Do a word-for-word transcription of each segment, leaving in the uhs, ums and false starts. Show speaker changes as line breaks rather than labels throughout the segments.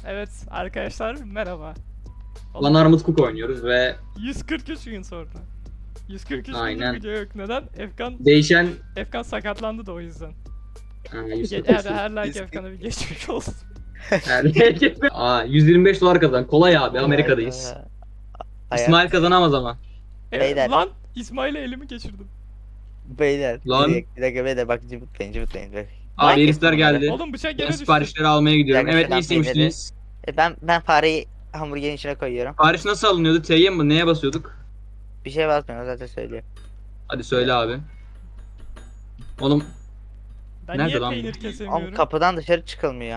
Evet arkadaşlar merhaba.
Lan Armut Cook oynuyoruz ve
yüz kırk üç gün sonra. yüz kırk üç gündür
aynen
video yok. Neden? Efkan
değişen
Efkan sakatlandı da o yüzden.
ha,
Ge- her, her like Efkan'a bir geçmiş olsun.
Aa, yüz yirmi beş dolar kazan. Kolay abi, Amerika'dayız.
Hayat.
İsmail kazanamaz ama.
E,
Beyler.
lan İsmail'e elimi geçirdim.
Beyler.
Lan.
Bir dakika, bir dakika beyler bak cıvıtlayın cıvıtlayın. Bak.
Abi
Like
herifler
yapın bunları.
geldi.
Oğlum bıçak
Ben
gene düştü.
siparişleri almaya gidiyorum.
Bir dakika,
Evet, ne
şuradan
istemiştiniz?
E, ben ben fareyi hamburgerin içine koyuyorum.
Sipariş nasıl alınıyordu? T'ye mi? Neye basıyorduk?
Bir şey basmıyorum zaten söylüyor.
Hadi söyle abi. Oğlum
Ben
Nerede
niye
lan bu?
peynir
Ama
kesemiyorum?
kapıdan dışarı çıkılmıyor.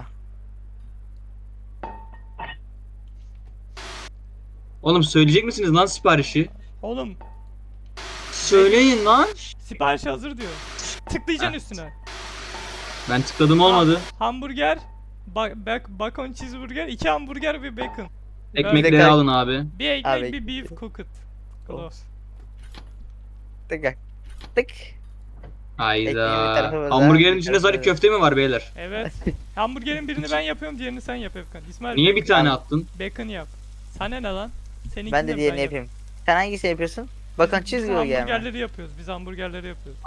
oğlum söyleyecek misiniz lan siparişi?
Oğlum
Söyleyin lan.
sipariş hazır diyor. Tıklayacaksın
Ha.
üstüne.
Ben tıkladım olmadı.
Hamburger, ba bak bacon cheeseburger, iki hamburger ve bacon.
Ekmekleri
Bekle.
alın abi.
Bir ekmek,
Abi.
bir beef cooked. Close.
Tık tık.
Hayda.
Ekmeğin bir tarafı burada,
Hamburgerin
bir
içinde
tarafı
sadece
burada.
köfte mi var beyler?
Evet. Hamburgerin birini ben yapıyorum, diğerini sen yap Efkan. İsmail
Niye
bacon-
bir tane attın?
Bacon yap. Sana ne lan? Seninkini
Ben de
mi
diğerini
yap-
yapayım. Sen hangisini yapıyorsun? Bakın
Biz
cheeseburger mi?
hamburgerleri yapıyoruz. Biz hamburgerleri yapıyoruz.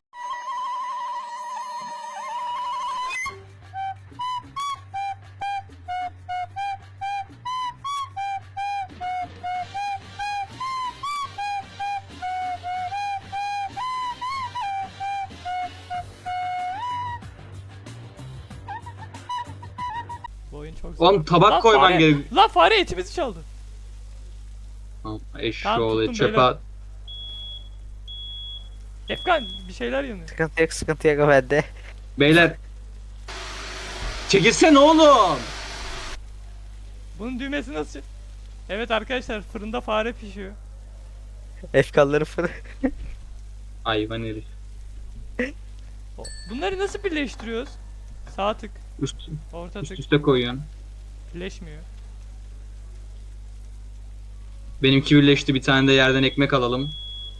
Bu oyun çok zor.
Oğlum tabak
Lan
koyman
fare-
gerek.
Lan fare etimizi çaldı.
Tamam, eşşoğlu
Tamam, tuttum
çöpe
beyler.
at.
Efkan bir şeyler yanıyor.
Sıkıntı yok sıkıntı yok bende.
Beyler. Çekilsene oğlum.
Bunun düğmesi nasıl? Evet arkadaşlar fırında fare pişiyor.
Efkalları fırın.
Hayvan herif.
O- Bunları nasıl birleştiriyoruz? Sağ tık,
Üst,
orta
üst
tık
üste koyuyorsun.
birleşmiyor.
Benimki birleşti, bir tane de yerden ekmek alalım.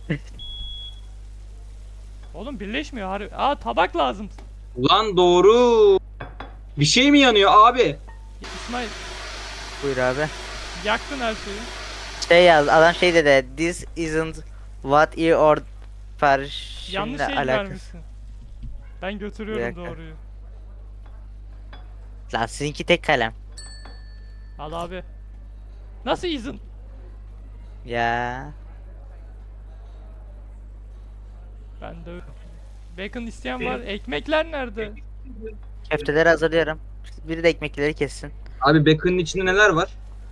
Oğlum birleşmiyor harbi. Aa tabak lazım.
Ulan doğru. Bir şey mi yanıyor abi?
İsmail
Buyur abi.
yaktın her şeyi.
Şey yaz adam şey dedi. This isn't what you ordered.
Yanlış
Şimdi
şey
alakası.
vermişsin. Ben
Bir
götürüyorum
dakika.
doğruyu.
Lan sizinki tek kalem.
Al abi. Nasıl izin?
Ya.
Ben de bacon isteyen var. Ekmekler nerede?
Köfteleri hazırlıyorum. Biri de ekmekleri kessin.
Abi bacon'ın içinde neler var?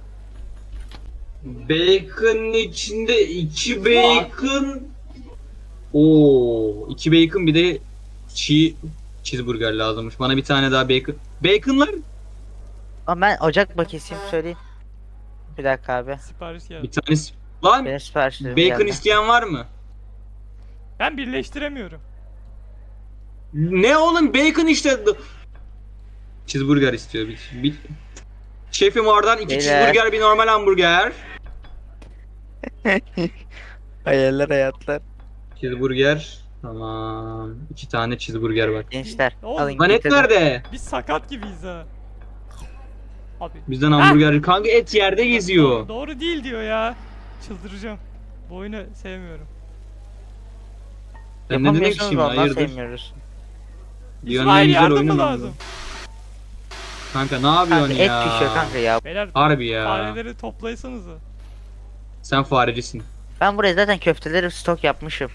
Bacon'ın içinde iki bacon. Oo, iki bacon bir de çiğ cheeseburger lazımmış. Bana bir tane daha bacon. Bacon'lar
Ama ben ocak bakayım söyleyeyim. Bir dakika abi.
Sipariş geldi.
bir tanesi. Lan
Benim siparişlerim
bacon
geldi.
isteyen var mı?
Ben birleştiremiyorum.
Ne oğlum, bacon işte. Cheeseburger istiyor. Bir, bir... Şefim oradan iki
Beyler.
cheeseburger, bir normal hamburger.
Hayaller hayatlar.
Cheeseburger. Tamam. İki tane cheeseburger var.
Gençler
Oğlum,
alın
Lan et
getirdim.
nerede?
Biz sakat gibiyiz ha. Abi.
Bizden hamburger. Kanka et yerde geziyor.
Doğru değil diyor ya. Çıldıracağım. Bu oyunu sevmiyorum.
Ben ne dedim ki
Yapamıyorsunuz
şimdi,
da ondan
hayırdır?
sevmiyoruz.
Dünyanın en
İsmail
güzel
yardım
oyunu
mı
lan
lazım?
bu. Kanka ne yapıyorsun
Kanka et
ya?
pişiyor kanka ya.
Beyler
Harbi ya.
fareleri toplaysanıza.
Sen farecisin.
Ben buraya zaten köfteleri stok yapmışım.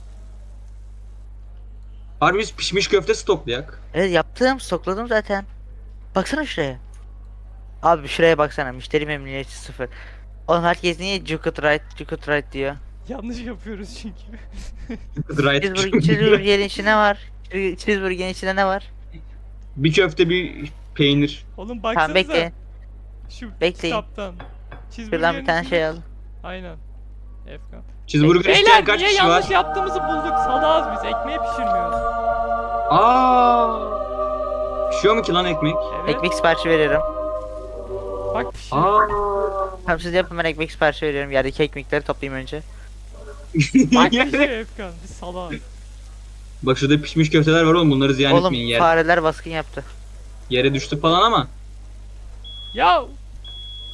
Harbi biz pişmiş köfte stoklayak.
Evet yaptım stokladım zaten. Baksana şuraya. Abi şuraya baksana müşteri memnuniyeti sıfır. Oğlum herkes niye Jucut Right, Jucut Right diyor.
Yanlış yapıyoruz çünkü.
Right.
Cheeseburger, cheeseburgerin içinde ne var? Cheeseburgerin içinde ne var?
Bir köfte, bir peynir.
Oğlum
Tamam
baksanıza.
bekleyin.
Şu
Bekleyin.
kitaptan.
Şuradan
Cheeseburger'in
bir tane
içinde-
şey al.
Aynen. Efkan.
Cheeseburger isteyen
Beyler
kaç
niye
kişi
yanlış
var?
yaptığımızı bulduk. Salağız biz. Ekmeği pişirmiyoruz.
Aa! Pişiyor mu ki lan ekmek?
Evet.
Ekmek siparişi veriyorum.
Bak pişir.
Aa!
Tamam siz yapın ben ekmek siparişi veriyorum. Yerdeki ekmekleri toplayayım önce.
Bak pişiyor Efkan. Biz salağız.
Bak şurada pişmiş köfteler var oğlum, bunları ziyan
Oğlum
etmeyin. Yer,
fareler baskın yaptı.
yere düştü falan ama.
Ya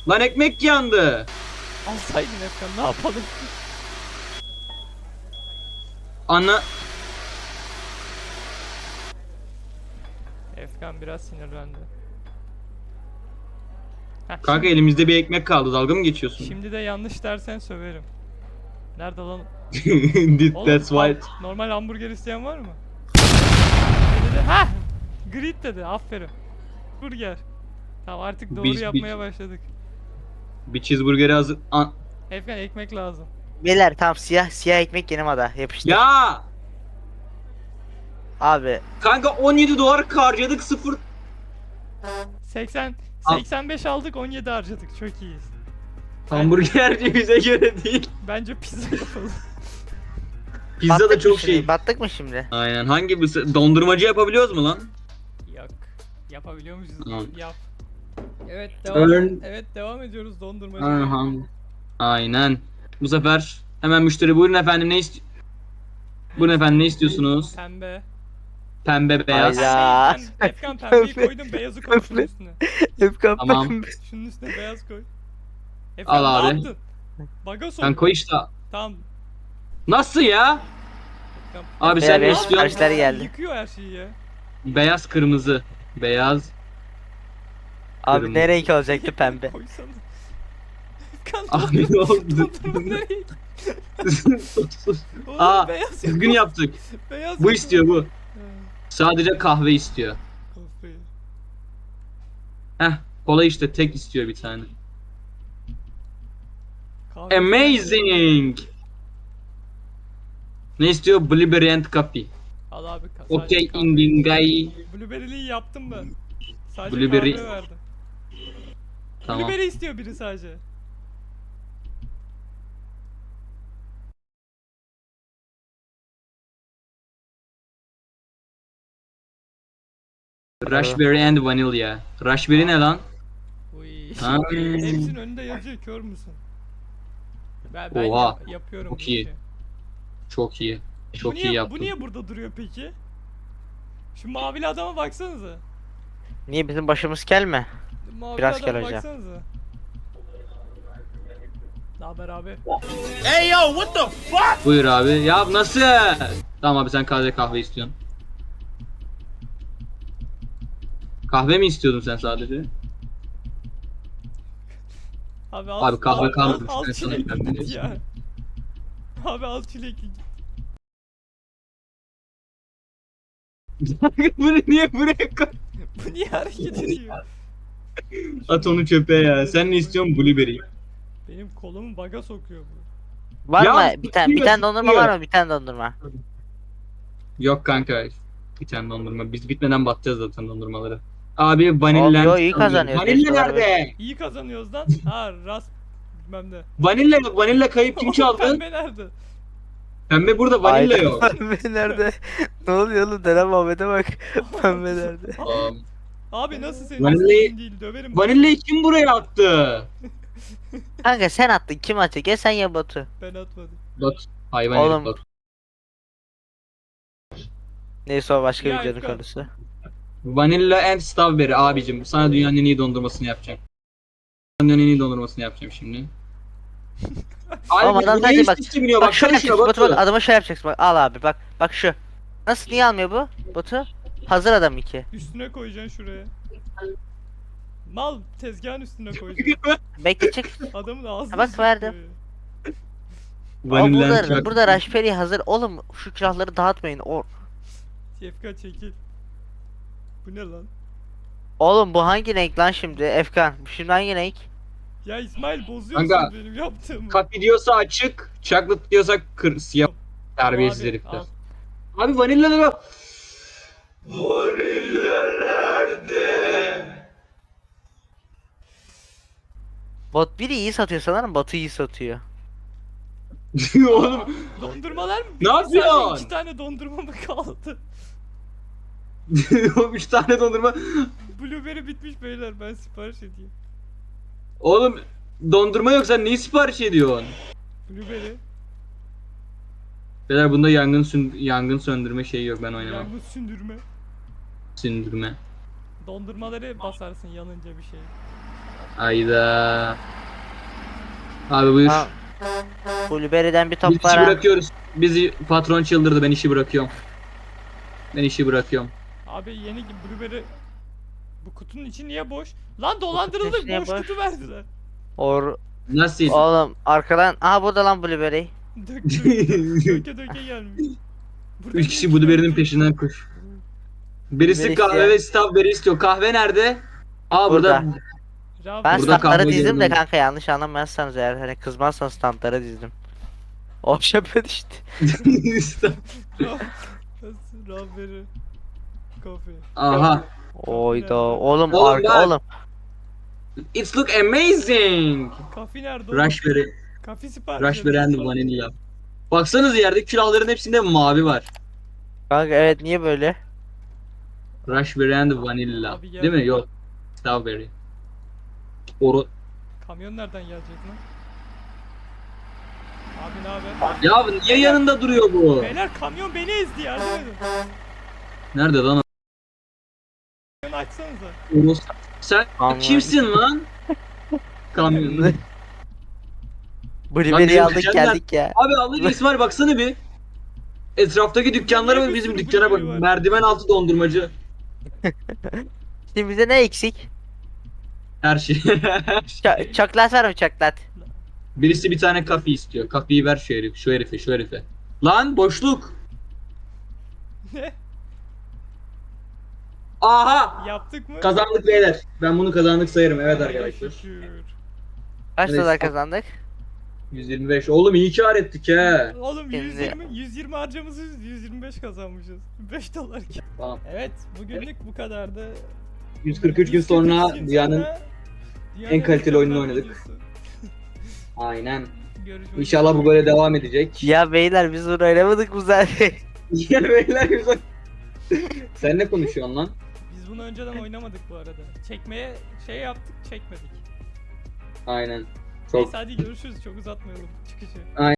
Lan ekmek yandı.
Alsaydın Efkan ne yapalım?
Ana.
Efkan biraz sinirlendi. Heh,
Kanka
şimdi,
elimizde bir ekmek kaldı. Dalga mı geçiyorsun?
şimdi de yanlış dersen söverim. Nerede lan?
Did
Oğlum,
that's
ham-
white.
normal hamburger isteyen var mı? Ne dedi? Ha! Grid dedi. Aferin. Burger. Tamam artık doğru
Biz- biz-
yapmaya başladık.
Bir cheeseburgeri hazır. An-
Efkan ekmek lazım.
Beyler tamam siyah siyah ekmek yeni moda yapıştır.
ya
Abi
kanka on yedi dolar harcadık sıfır.
seksen
Al.
seksen beş aldık on yedi harcadık. Çok iyiyiz.
Hamburgerci bize göre değil.
Bence pizza yapalım.
Pizza
battık
da
mı
çok
şimdi?
şey.
Battık mı şimdi?
Aynen. Hangi bir dondurmacı yapabiliyoruz mu lan?
Yok. Yapabiliyor muyuz?
Tamam.
Yap. Evet devam.
Ön-
Evet devam ediyoruz dondurmacı.
Aha. Aynen. Bu sefer hemen müşteri buyurun efendim ne ist Buyurun efendim ne istiyorsunuz?
Pembe.
Pembe beyaz.
Hayda.
Pembeyi, ben, Efkan pembeyi
Pembe.
koydum beyazı koy şunun
Pembe.
üstüne.
Efkan
Tamam.
pembe.
Şunun üstüne beyaz koy. Efkan
Al
ne
abi.
yaptın? Baga sok.
Sen koy işte.
Tamam.
Nasıl ya?
Efkan.
Abi
Beyler,
sen ne
beyaz
istiyorsun?
siparişler geldi.
Yıkıyor her şeyi ya.
Beyaz kırmızı. Beyaz.
Abi
Kırmızı.
ne renk olacaktı pembe?
Koysana. Efkan
Abi ne oldu?
dondurma nereye? Oğlum
Aa,
beyaz
düzgün
yok.
yaptık.
Beyaz
Bu
yok.
istiyor bu.
Ha,
Sadece kahve istiyor.
kafayı.
Heh, kola işte tek istiyor bir tane.
Kahve-
Amazing. Ne istiyor? Blueberry and coffee.
Al abi. ka-
Okay,
sadece kahve.
Indingay.
Blueberry'liyi yaptım ben. Sadece
Blueberry-
kahve verdim.
Tamam.
Blueberry istiyor biri sadece.
Raspberry and vanilla. Raspberry ne lan?
Uy.
Ha.
Hepsinin önünde yazıyor kör müsün? Ben, ben
Oha.
yap- yapıyorum
Çok
bu
iyi.
işi.
Çok iyi. Çok
bu
iyi
niye,
yaptın.
Bu niye burada duruyor peki? Şu mavili adama baksanıza.
Niye bizim başımız kel mi?
Mavili
Biraz
adama
kel hocam.
baksanıza. Ne haber abi?
Buyur abi. Ya nasıl? Tamam abi sen kahve kahve istiyorsun. Kahve mi istiyordun sen sadece?
Abi al,
Abi kahve
al, al,
kalmadı.
al
Ben sana
çilekli
kahve
git
vereceğim.
ya. Abi al çilekli git.
Bunu niye buraya koy?
Bu niye hareket ediyor?
At onu çöpe ya. Sen ne istiyorsun? Blueberry.
Benim kolumu baga sokuyor bu.
Var
Ya,
mı? Bir tane bir
tutuyor,
tane dondurma
tutuyor.
var mı? Bir tane dondurma.
Yok kanka. Bir tane dondurma. Biz bitmeden batacağız zaten dondurmaları. Abi
Abi
vanilla.
yo, iyi kazanıyoruz.
Vanilla
Beş dolar
nerede?
İyi kazanıyoruz lan. Ha rast bilmem ne.
Vanilla yok. Vanilla kayıp kim
Oğlum,
çaldı?
Pembe nerede?
Pembe burada vanilla
Aynen.
yok.
Pembe nerede? Ne oluyor oğlum? Dene Muhammed'e bak. Pembe nerede?
Aa,
Abi nasıl senin
Vanillayı-
istediğin değil döverim.
Vanillayı kim buraya attı?
Kanka sen attın. Kim atacak? Ya sen ya Batu.
Ben atmadım.
Bak hayvan
Oğlum.
herif bak.
Neyse o başka
Ya
videonun
Efkan.
konusu.
Vanilla and strawberry abicim. Sana dünyanın en iyi dondurmasını yapacağım. Dünyanın en iyi dondurmasını yapacağım şimdi.
Oğlum adam
bu
sadece
niye
bak.
üst üste biniyor?
Bak
Baksana
şöyle
şuna
yapacaksın Batu bak
Batu.
adama şöyle yapacaksın bak al abi bak bak şu. Nasıl niye almıyor bu Batu? Hazır adam iki.
Üstüne koyacaksın şuraya. Mal tezgahın üstüne koyacaksın.
Bekle çık.
Adamın ağzını
Ha, bak,
sıkıyor
verdim.
ya.
Ama
Vanilla and
burada,
chocolate.
burada Raspberry hazır. Oğlum şu külahları dağıtmayın. O...
Efkan çekil. Bu ne lan?
Oğlum bu hangi renk lan şimdi Efkan? Şimdi hangi renk?
Ya İsmail bozuyorsun
Kanka,
benim yaptığımı.
Kafi diyorsa açık, chocolate diyorsa kır, siyah. Terbiyesiz
Abi,
herifler.
al.
Abi vanillaları... Vanilla nerede?
Bot biri iyi satıyor sanırım Batu iyi satıyor.
Oğlum
Dondurmalar mı?
Ne
bitti? Sadece
yapıyorsun?
İki tane dondurma mı kaldı?
o üç tane dondurma.
Blueberry bitmiş beyler ben sipariş edeyim.
Oğlum dondurma yok sen neyi sipariş ediyorsun?
Blueberry.
Beyler bunda yangın sün yangın söndürme şeyi yok ben oynamam.
Yangın sündürme.
Sündürme.
Dondurmaları basarsın yanınca bir şey.
Ayda. Abi buyur.
Ha, Blueberry'den bir
Biz
top
işi
var ha.
bırakıyoruz. Bizi patron çıldırdı. Ben işi bırakıyorum. Ben işi bırakıyorum.
Abi yeni gibi Blueberry. Bu kutunun içi niye boş? Lan
içi
dolandırıldık,
niye
boş
boş?
kutu verdiler.
Or
Nasıl?
Oğlum arkadan aha burada lan Blueberry.
Dök dök döke döke gelmiş. Burada
Üç
niye
kişi
iki
Blueberry'nin
tane-
peşinden koş. Birisi
Blueberry
kahve
isteyen.
ve strawberry istiyor. Kahve nerede? Aa burada.
Burada.
Rav-
Ben
Burada
standları
kahve
dizdim de
görmedim.
kanka, yanlış anlamazsanız eğer, hani kızmazsanız standları dizdim. O şöpe düştü.
Rav- Raspberry Coffee.
Aha.
Oyda oğlum
Oğlum
arka
bak.
oğlum.
It's look amazing.
Kafi nerede oğlum?
Raspberry.
Kafi sipariş
Raspberry and
ediyorsun.
vanilla. Baksanıza yerdeki külahların hepsinde mavi var.
Kanka evet, niye böyle?
Raspberry and vanilla.
Abi gel.
Değil mi? Yok. Strawberry. Oru.
Kamyon nereden gelecek lan? Abi ne haber?
Ya niye yanında duruyor bu?
Beyler kamyon beni ezdi, yardım edin.
Nerede lan o?
Kamyonu açsanıza.
Orus. Sen
Kamyon.
kimsin lan? Kamyon.
Blueberry'i
bizim
aldık
dükkanlar-
geldik ya.
Abi Allah İsmail baksana bir. Etraftaki dükkanlara
Niye
bak,
bir
bizim
sürü
dükkana bak.
Blueberry var?
Merdiven altı dondurmacı.
Şimdi bize ne eksik?
Her şey.
Ç- çoklat var mı, çoklat?
Birisi bir tane kafe istiyor. Kafeyi ver şu herif, şu herife, şu herife. Lan boşluk.
Ne?
Aha!
Yaptık mı?
Kazandık beyler. Ben bunu kazandık sayarım. Evet
Allah'a
arkadaşlar.
şükür.
Kaç
Evet.
dolar kazandık?
yüz yirmi beş. Oğlum iyi kar ettik he.
Oğlum
Şimdi-
yüz yirmi, yüz yirmi harcamışız, yüz yirmi beş kazanmışız. beş dolar ki.
Tamam.
Evet, bugünlük bu kadardı.
yüz kırk üç gün
yüz kırk üç
sonra
gün
dünyanın
sonra dünyanın
en kaliteli oyununu
mükemmel
oynadık.
videosu.
Aynen.
Görüşmek
İnşallah bu
üzere.
böyle devam edecek.
Ya beyler biz bunu oynamadık mı zaten?
Ya beyler güzel. Sen ne konuşuyorsun lan?
Biz bunu önceden oynamadık bu arada. Çekmeye şey yaptık, çekmedik.
Aynen. Çok
Neyse hadi görüşürüz, çok uzatmayalım çıkışı.